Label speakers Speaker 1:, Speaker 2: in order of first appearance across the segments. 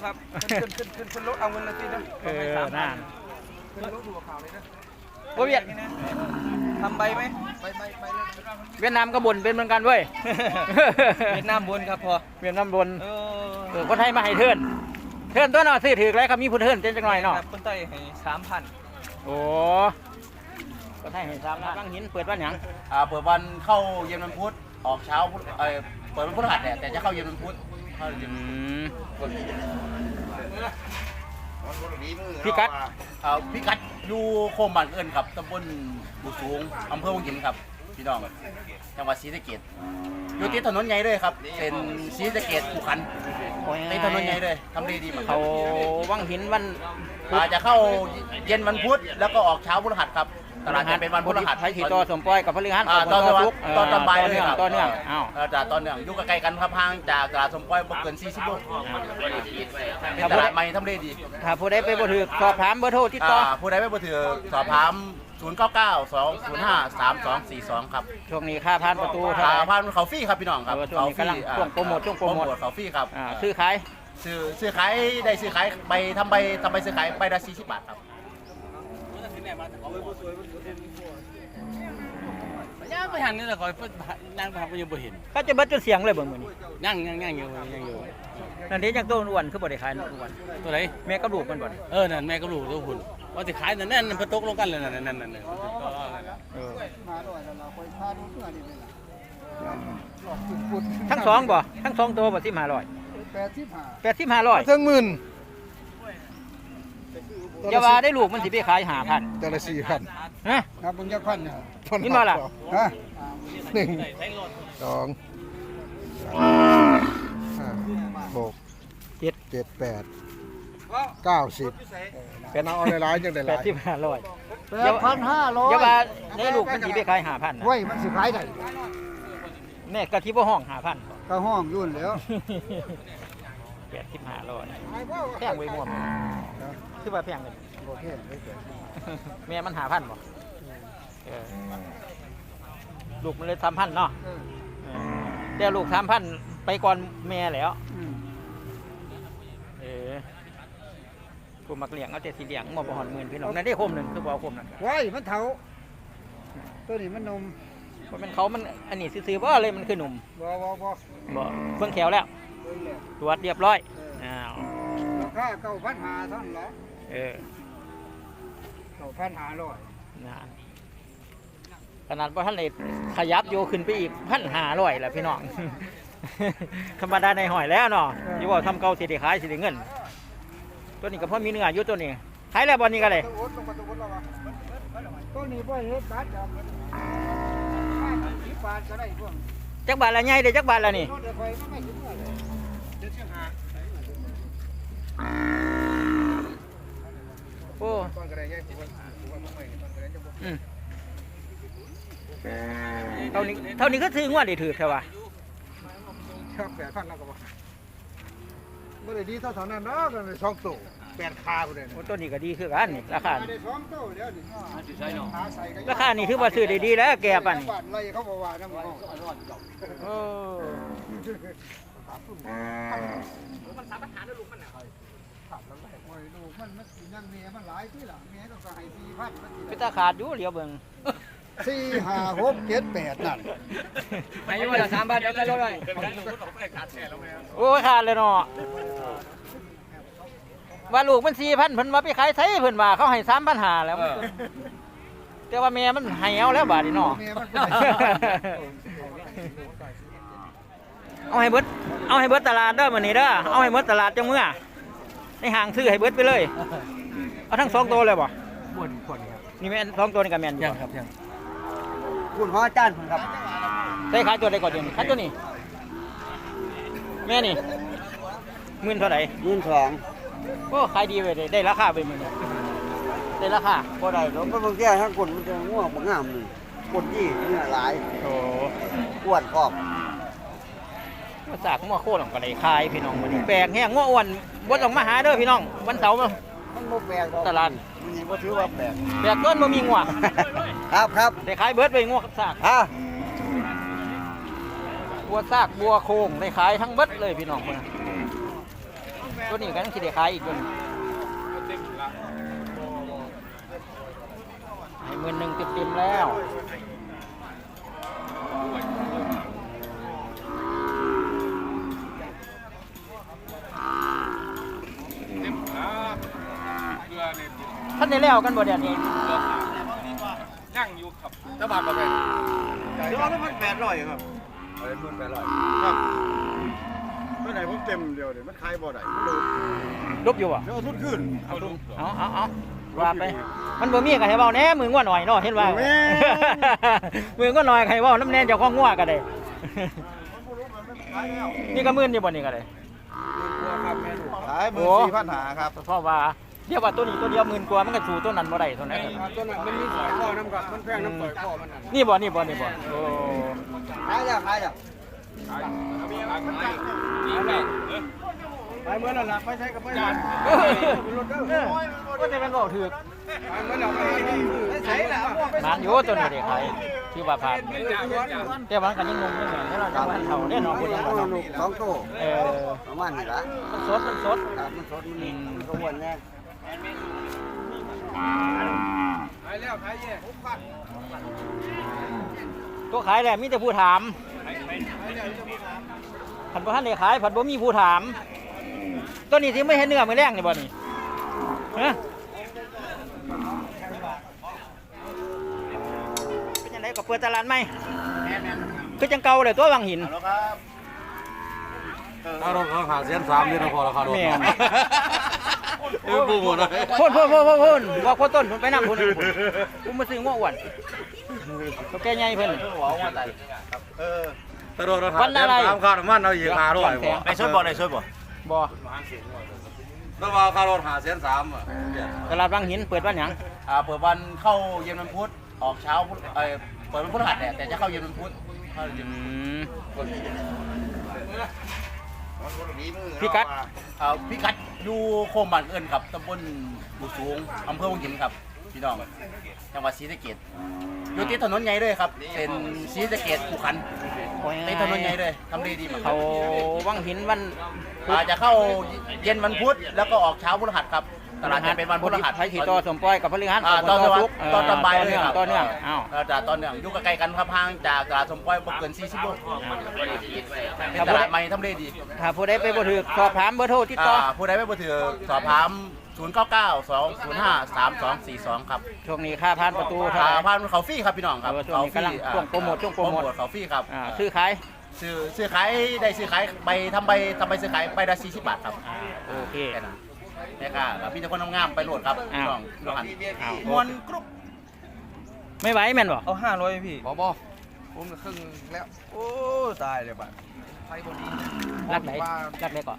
Speaker 1: ครับขึ้นรถเอาเงินเลยสินะ
Speaker 2: น่า
Speaker 1: ขึ้นรถดูข่าวเลยนะ
Speaker 2: โอ้เวียด
Speaker 1: ทำใบไหมใบ
Speaker 2: เวียดนามก็บ่นเป็นเหมือนกันเว้ย
Speaker 1: เวียดนามบนครับพอ
Speaker 2: เวียดนามบ่นคนไทยมาให้เทิร์นตัวน่ะซื้อถือแล้วครับมีผู้เทิร์นเต็มจังหน่อยเนาะ
Speaker 1: คนไทยให้3,000
Speaker 2: โอ้คนไทยให้3,000บางหินเปิดวันหยัง
Speaker 3: เปิดวันเข้าเย็นวันพุธออกเช้าเปิดวันพฤหัสเนี่ยแต่จะเข้าเย็นวันพุธเข้าเย็น
Speaker 2: พี่กัด
Speaker 3: อยู่โคมบ้านเอิญครับตำบลบุสูงอำเภอวังหินครับพี่น้องจังหวัดศรีสะเกษอยู่ติดถนนใหญ่เลยครับเป็นศรีสะเกษภูขันติดถนนใหญ่เลยทำดีมาก
Speaker 2: เขาวังหินวัน
Speaker 3: จะเข้าเย็นวันพุธแล้วก็ออกเช้าพฤหัสครับตลาดจะเป็นวันพฤหัส
Speaker 2: ไทยขี่ต่อสมปอยกับพฤหัส
Speaker 3: ตอนบ่ายเลยครับ
Speaker 2: ตอนเนื่อง
Speaker 3: ตอนเนื่องอยู่ใกล้กันครับห่างจากตลาดสมปอยบ่เกิน40 โลเป็นตลาดใหม่ทำเลดี
Speaker 2: ถ้าผู้ใดไปบ่ถือสอบถามเบอร์โทรติดต่อ
Speaker 3: ผู้ใดไปบ่ถือสอบถาม0992053242ครับ
Speaker 2: ช่วงนี้ค่าผ่านประตู
Speaker 3: ค่าผ่านเขาฟรีครับพี่น้องครับ
Speaker 2: เขาฟรีช่วงโปรโมท
Speaker 3: เขาฟรีครับ
Speaker 2: ซื้อขาย
Speaker 3: ได้ซื้อขายใบทำใบซื้อขายใบละ40 บาทครับ
Speaker 1: ย่างไปหันนี่แหละคอยนั่งไปหันไปยังบ่เห็น
Speaker 2: เขาจะเบิดจนเสียงเลยเบิ่งมื้อนี้
Speaker 1: ย่างอยู่
Speaker 2: นั่นเด้จังตัวอ้วนคือบ่ได้ขายอ้วน
Speaker 1: ตัวไหน
Speaker 2: แม่กับลูกมันบ่
Speaker 1: นั่นแม่กับลูกตัวหุ่นว่าสิขายนั่นมันตกลงกันเลยนั่น
Speaker 4: มาด้วยแล้วเราคอยพาดูเพื่อนนี่
Speaker 2: ล่ะทั้งสองบ่ทั้ง2ตัวบ่
Speaker 4: 85
Speaker 2: 8500
Speaker 4: ถึงหมื่น
Speaker 2: อย่าว่าได้ลูกมันสิไปขาย5,000
Speaker 4: แต่ละ4,000
Speaker 2: ฮะ
Speaker 4: ครับมึงจักพันเนี่ย
Speaker 2: นี่มาล่ะ
Speaker 4: ฮะ1 2 5 6 7 8 90เป็นเอาหลายๆจังได้หลาย
Speaker 2: 8500
Speaker 4: 8,500
Speaker 2: อย่าว่าได้ลูกมันสิไปขาย5,000
Speaker 4: ไว้มันสิขายได้
Speaker 2: แม่กะทิบ่ห้อง5,000
Speaker 4: ก็ห้องยุ่นแล้ว
Speaker 2: 8500แพงไว้ม่วมคือว่าแพงเลย
Speaker 4: บ่แพง
Speaker 2: แม่มัน5,000บ่ลูกมันเลย3,000เนาะแต่ลูก3,000ไปก่อนแม่แล้วกูมักเลี้ยงเอาแต่สิเลี้ยงบ่ฮอด10,000พี่น้องนั่นได้โคมนึงคือบ่เอาโคมนั่น
Speaker 4: ไว้มันเฒ่าตัวนี้มันนม
Speaker 2: บ่แม่นเขามันอันนี้ซื่อๆบ่เลยมันคือหนุ่ม
Speaker 4: บ่
Speaker 2: เบิ่งแขวแล้วตรวจเรียบร้อย
Speaker 4: ราคา9,500เท่านั้นเหรอ9,500
Speaker 2: นะขนาดว่าท่านเลยขยับโยขึ้นไปอีก1,500แล้วพี่น้องธรรมดาในหอยแล้วเนาะที่ว่าทำเก่าสิได้ขายสิได้เงินตัวนี้ก็พอมีเนื้ออยู่ตัวนี้ขายแล้วบอลนี้ก็เลย
Speaker 4: ตัวนี้บ่เฮ็ดบาทครับ10 บาทก็ได้พวก
Speaker 2: จักบาทละใหญ่เด้จักบาทละนี่โอ้เท่านี้ก็ถือว่าได้ถือใช่ป่ะ
Speaker 4: ครับ8,000แล้วก็บ่ได้ดีเท่านั้นเนาะกัน2ตัว8ขาพุ่นเด้
Speaker 2: อตัวนี้ก็ดีคือกันนี่ราคา
Speaker 4: ได้2ตัวเดี๋ยวนี่
Speaker 2: ราคานี่ถือว่าซื้อได้ดีแล้วแก่ป่ะนี่
Speaker 4: ไรเขาบ่ว่านำ
Speaker 2: มันสามารถหาได้ลูกมันน่ะ
Speaker 4: ลูกมันยังแม่มันหลายที่ล่ะแม่ก็ให้ 4,000
Speaker 2: คือตาขาดอยู่เหลียวเบิ่ง
Speaker 4: 4 5 6 7 8นั่น
Speaker 2: ให้อยู่ละ3 บาทเดี๋ยวก็เลยโอ้ยขาดเลยเนาะว่าลูกมัน 4,000 เพิ่นว่าไปขายไสเพิ่นว่าเขาให้ 3,500 แล้วแต่ว่าแม่มันให้เอาแล้วบาดนี้เนาะเอาให้เบิดตลาดเด้อมื้อนี้เด้อเอาให้หมดตลาดจังมื้อในห้างซื้อให้เบิดไปเลยเอาทั้ง2ตัวเลยบ่
Speaker 1: บ่นครับ
Speaker 2: นี่แม่น2ตัวนี่ก็แม่นอยู่
Speaker 1: ครับ
Speaker 4: คุณพ่ออาจารย์ครับ
Speaker 2: ได้ขายตัวใดก่อนเดี๋ยวนี้ขายตัวนี้แม่นี่10,000เท่าไหร่
Speaker 4: 12,000
Speaker 2: โอ้ขายดีเว้ยได้ราคาไปมื้อนี้ได้ราคา
Speaker 4: บ่ได้ดอกมันบางแก่ทั้งคนมันจะง่วงบ่งามนี่คนที่เนื้อหลาย
Speaker 2: โอ้
Speaker 4: อ้วนพร้อม
Speaker 2: มาจากงัวโคหลังก็ได้ขายพี่น้องมื้อนี้แปลกแฮงงัวอ้วนบ่ต้องมาหาเด้อพี่น้องวันเสาร์
Speaker 4: มันบ่แปลกดอก
Speaker 2: ตลาด
Speaker 4: นี่บ่ถือว่าแปลก
Speaker 2: ต้นบ่มีงัว
Speaker 4: ครับ
Speaker 2: ได้ขายเบิดไปงัวกับซากบัวซากบัวโคงได้ขายทั้งเบิดเลยพี่น้องเพิ่นตัวนี้กันสิได้ขายอีกตัวนึงให้11,000เต็มๆแล้วท่านได้แล้วกันบ่เดี๋ยวนี้
Speaker 1: นั่งอยู่ครับ
Speaker 3: เจ้าบาทประเภท
Speaker 4: เดี๋ยวเอาแล้ว1,800ครับ1,800ครับเมื่อไหร่ผมเต็มเดียวเดี๋ยวมันขายบ่ได้มันเลย
Speaker 2: ลบอยู่อ่ะ
Speaker 4: เดี๋ยวเอาทุนขึ้น
Speaker 2: เอาว่าไปมันบ่มีก็ให้เว้าแหน่มือง่วหน่อยเนาะเห็นว่า
Speaker 4: แม่
Speaker 2: มือง่วหน่อยให้เว้าน้ำแน่เจ้าของง่วก็ได้นี่ก็มื่นอยู่บ่นี่ก็ได้
Speaker 4: ขาย14,500ครับ
Speaker 2: เพราะว่าเดี๋ยวว่าตัวนี้ตัวเดียว10,000กว่ามันก็สู้ตัวนั้นบ่ได้เท่านั้น
Speaker 4: ตัวนั้นมันมีสอยคอน้ำกับมันแพงน้ำสอยคอมันนั่น
Speaker 2: นี่บ่โอ้
Speaker 4: ขายจ้ะไปเมื่อนั้นล่ะไปใช้กับไปหลานรถเด้อ
Speaker 2: ก็จะเป็นเว้าถูก
Speaker 4: ไปเมื่อนั้นไปใช้ล่ะ
Speaker 2: มันอยู่ตัวนี้เด้ใครที่ว่าผ่านแต่ว่ามันก็ยังงงอยู่แม่เราจะว่าเฒ่าแน่นอนพุ่น
Speaker 4: ลูก2โตประมาณนี้ล่ะ
Speaker 2: มันสด
Speaker 4: ครับมันสดมันก็อ้วนแน่ขายแล้วขายแย่
Speaker 2: ตัวขายแหละมีแต่ผู้ถามผัดบ่ทันได้ขายผัดบ่มีผู้ถามตัวนี้สิไม่เห็นเนื้อมื้อแรงนี่บ่นี่ฮะเป็นจังไดก็เปิดตลาดใหม่คือจังเก่าเลยตัววังหิน
Speaker 3: แล้วครับ
Speaker 1: ถ้ารถเขาหาเสียน3นี่นะพอราคารถ
Speaker 2: แม่น
Speaker 1: กูหมดเลย
Speaker 2: พ่นว่าคนต้นไปนำพุ่นกูมาซื้อง้ออ้วนตัวแก่ใหญ่เพิ่น
Speaker 1: ถ้ารถเขาหาเสียน3ค่าน้ำมันเอาอีก500บ่
Speaker 3: ในช่วยบ่ในช่วยบ่
Speaker 2: บ่
Speaker 1: แล้วว่าค่ารถหาเสียน3อ่ะ
Speaker 2: ตลาดวังหินเปิดวันหยัง
Speaker 3: เปิดวันเข้าเย็นวันพุธออกเช้าพุธเปิดวันพฤหัสแต่จะเข้าเย็นวันพุธเข้าเย็น
Speaker 2: พี่กัด
Speaker 3: พี่กัดอยู่โคมบ้านเอิญครับตำบลบุสูงอำเภอวังหินครับพี่น้องจังหวัดศรีสะเกษอยู่ติดถนนใหญ่เลยครับเป็นศรีสะเกษภูขันติดถนนใหญ่เลยทำดีมากครั
Speaker 2: เขา
Speaker 3: บ
Speaker 2: วังหินวัน
Speaker 3: จะเข้าเย็นวันพุธแล้วก็ออกเช้าพฤหัสครับตลาดจะเป็นวันพฤหัส
Speaker 2: ไทยที่ต่อสมปอยกับพฤหัส
Speaker 3: ตอน
Speaker 2: ทุก
Speaker 3: ตอนบ่ายเลยครับ
Speaker 2: ต่อเนื่องอ้าว
Speaker 3: จากตอนเนื่องอยู่ใกล้ๆกันครับห่างจากตลาดสมปอยบ่เกิน40โลเป็นตลาดใหม่ทำเลดี
Speaker 2: ถ้าผู้ใดไปบ่ถูกสอบถามเบอร์โทรติดต่อ
Speaker 3: ผู้ใดไม่บ่ถือสอบถาม0992053242ครับ
Speaker 2: ช่วงนี้ค่าผ่านประตูเท่าไหร่
Speaker 3: ผ่านเขาฟรีครับพี่น้องครับ
Speaker 2: ช่วงนี้กำลังช่วงโปรโมท
Speaker 3: เขาฟรีครับ
Speaker 2: ซื้อขาย
Speaker 3: ซื้อขายได้ซื้อขายใบทำใบซื้อขายใบละ40 บาทครับ
Speaker 2: โอเค
Speaker 3: แค่นั้นแค่ครับมีแต่คนงามๆไปโหลดครับพี่น้องน้องหัน
Speaker 2: อ้าว
Speaker 3: มวนกรุ๊ป
Speaker 2: ไม่ไหวแม่นบ่
Speaker 4: เอา500พี่บ่ผมครึ่งแล้วโอ้ตายเลยบัดไฟบ่ดี
Speaker 2: รักไหนก่อน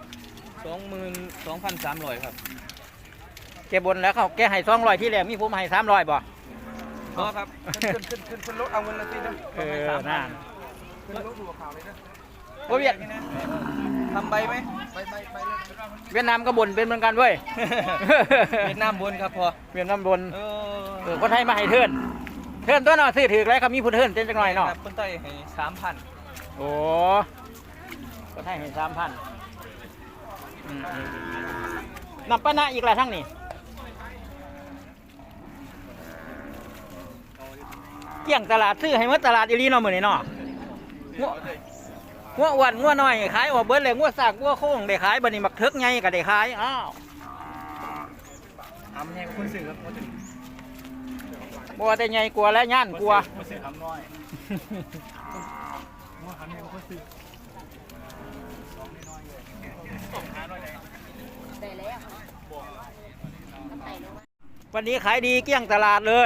Speaker 4: 22,300ครับ
Speaker 2: แกบนแล้วเขาแกให้200ที่แรกมีผมให้300บ่
Speaker 4: บ่ครับขึ้นรถเอาเงินละสินะ
Speaker 2: น่า
Speaker 4: ขึ้นรถดูข่าวเลยนะ
Speaker 2: โอ้เวียด
Speaker 4: ทำใบไหมใบเลย
Speaker 2: เวียดนามก็บ่นเป็นเหมือนกันเว้ย
Speaker 4: เวียดนามบนครับพอ
Speaker 2: เวียดนามบ่นคนไทยมาให้เทิร์นตัวเนาะซื้อถือแล้วครับมีผู้เทิร์นเต็มจังหน่อยเนาะ
Speaker 4: คนไทยให้ 3,000
Speaker 2: โอ้ก็ให้เห็น3,000นำปะนะอีกหลายทั้งนี่เกี่ยงตลาดซื้อให้หมดตลาดอีหลีเนาะมื้อนี้เนาะงัวอ้วนงัวน้อยขายออกเบิดเลยงัวสากงัวโค้งได้ขายบัดนี้บักเถิกใหญ่ก็ได้ขายอ้าว
Speaker 4: ทำแห้งคนซื้อครับ
Speaker 2: บ่ว่าแต่ใหญ่กลัวและย่านกลัว
Speaker 3: มาซื้อคำน้อย
Speaker 2: วันนี้ขายดีเกลี้ยงตลาดเลย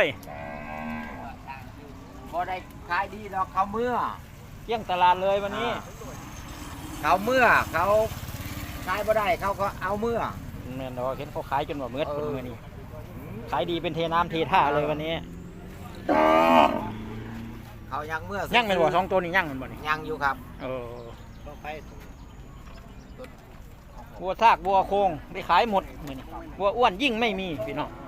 Speaker 5: พอได้ขายดีดอกเขาเมื่อ
Speaker 2: เกลี้ยงตลาดเลยวันนี้
Speaker 5: เขาเมื่อเขาขายบ่ได้เขาก็เอาเมื่อ
Speaker 2: แม่นดอกเห็นเขาขายจนว่าเมือดคนมื้อนี้ขายดีเป็นเทน้ำเทท่าเลยวันนี้
Speaker 5: เขายังเมื่อ
Speaker 2: ยั่งเป็นบ่สองตัวนี้ยั่งเป็นบ่นี่
Speaker 5: ยังอยู่ครับ
Speaker 2: บัวซากบัวโคงได้ขายหมดมื้อนี้บัวอ้วนยิ่งไม่มีพี่น้อง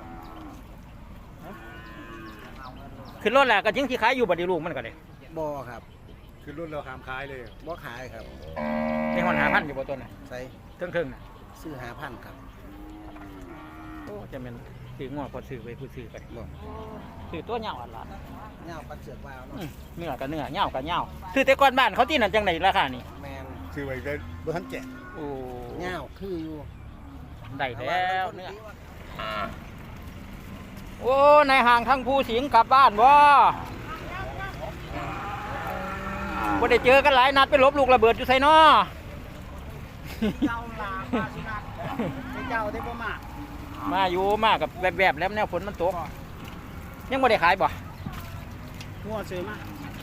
Speaker 2: ขึ้นรถแล้วก็ยังที่ขายอยู่บัดนี้ลูกมันก็ได้
Speaker 4: บ่ครับคือรุ่นเราขามขายเลยบ่ขายครับ
Speaker 2: ได้ฮอน5,000อยู่บ่ตัวน่ะ
Speaker 4: ใส่
Speaker 2: เทิงๆน่ะ
Speaker 5: ซื้อ5,000ครับ
Speaker 2: โอ้จะเป็นซื้องัวพอซื้อไปผู้ซื้อไป
Speaker 5: บ่
Speaker 2: ซื้อตัวเหยาอันละ
Speaker 5: เงาปันเสือกวาวเนาะ
Speaker 2: เนื้อกับเนื้อเหยากับเหยาซื้อแต่ก่อนบ้านเขาที่นั่นจังไหนราคานี่
Speaker 5: แมน
Speaker 4: ซื้อไว้ได้บ่ทันแจก
Speaker 2: โอ้
Speaker 5: เงาคืออยู่
Speaker 2: ได้แล้วเนื้อโอ้ในห่างทั้งผู้สิงกลับบ้านบ่บ่ได้เจอกันหลายนัดไปลบลูกระเบิดอยู่ไสน้อ
Speaker 5: เจ้าลามาสินัดเจ้าได้บ่มา
Speaker 2: มาอยู่มากับแบบๆแล้วแนวฝนมันตกยังบ่ได้ขายบ่
Speaker 5: งัวซื้อมา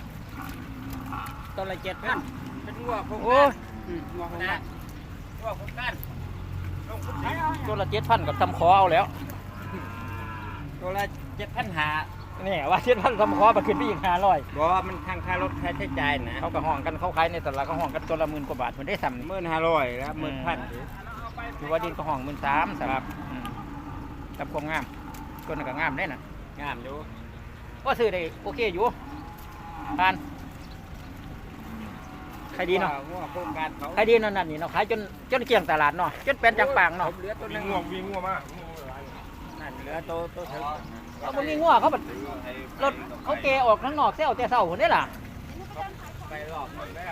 Speaker 5: ตัวละ7,000เป็นงัวโครง
Speaker 2: โอ้
Speaker 5: งัวโครงการงัวโครงการ
Speaker 2: ตัวละ7,000กับทำคอเอาแล้ว
Speaker 5: ตัวละ7,500
Speaker 2: นี่ว่า7,000ทำคอมาขึ้นไปอีก500
Speaker 5: บ่มันทางค่ารถค่าใช้จ่ายนะ
Speaker 2: เขาก็ห้องกันเขาขายในตลาดเขาห้องกันตัวละ10,000กว่าบาทมันได้ซ้ำนี่
Speaker 5: 1,500แล้ว1,000
Speaker 2: คือว่าดินก็ห้อง13,000ครับกับความงามตัวนั้นก็งามได้น่ะ
Speaker 5: งามอยู่
Speaker 2: ก็ซื้อได้โอเคอยู่ผ่านขายดีเนาะ
Speaker 5: งัวโครงการเขา
Speaker 2: ขายดีเนาะนั่นนี่เนาะขายจนเกลี้ยงตลาดเนาะจนเป็นจังปางเนาะ
Speaker 5: เหลือตัวนึงนั่นเหลือตัวเถิง
Speaker 2: เขาบ่มีงัวเขาบัดรถเขาเกออกข้างนอกเซลแต่เช้าพุ่นเด้ล่ะ
Speaker 5: ไปรอบหมดแล้ว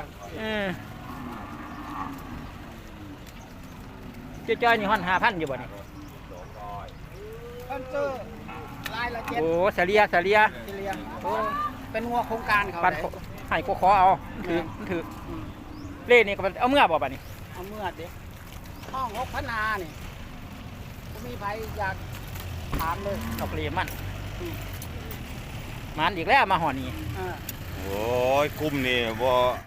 Speaker 2: จ้อยๆนี่ฮ้อน5,000อยู่บ่นี่
Speaker 5: คอนเตอร์ลายละ7
Speaker 2: โอ้เสลีย
Speaker 5: ที่เลี้ยงโอ้เป็นงัวโครงการเขา
Speaker 2: ปัน
Speaker 5: ได้
Speaker 2: ให้กูขอเอาถือเล่นี่ก็เอาเมื่อบ่บัดนี้
Speaker 5: เอาเมื่อเด็กห้อง6,500นี่บ่มีไผอยากถามเลย
Speaker 2: ดอกเลมันมันอีกแล้วมาหอนี่
Speaker 5: เออ
Speaker 4: โอ้ยกลุ่มนี่บ่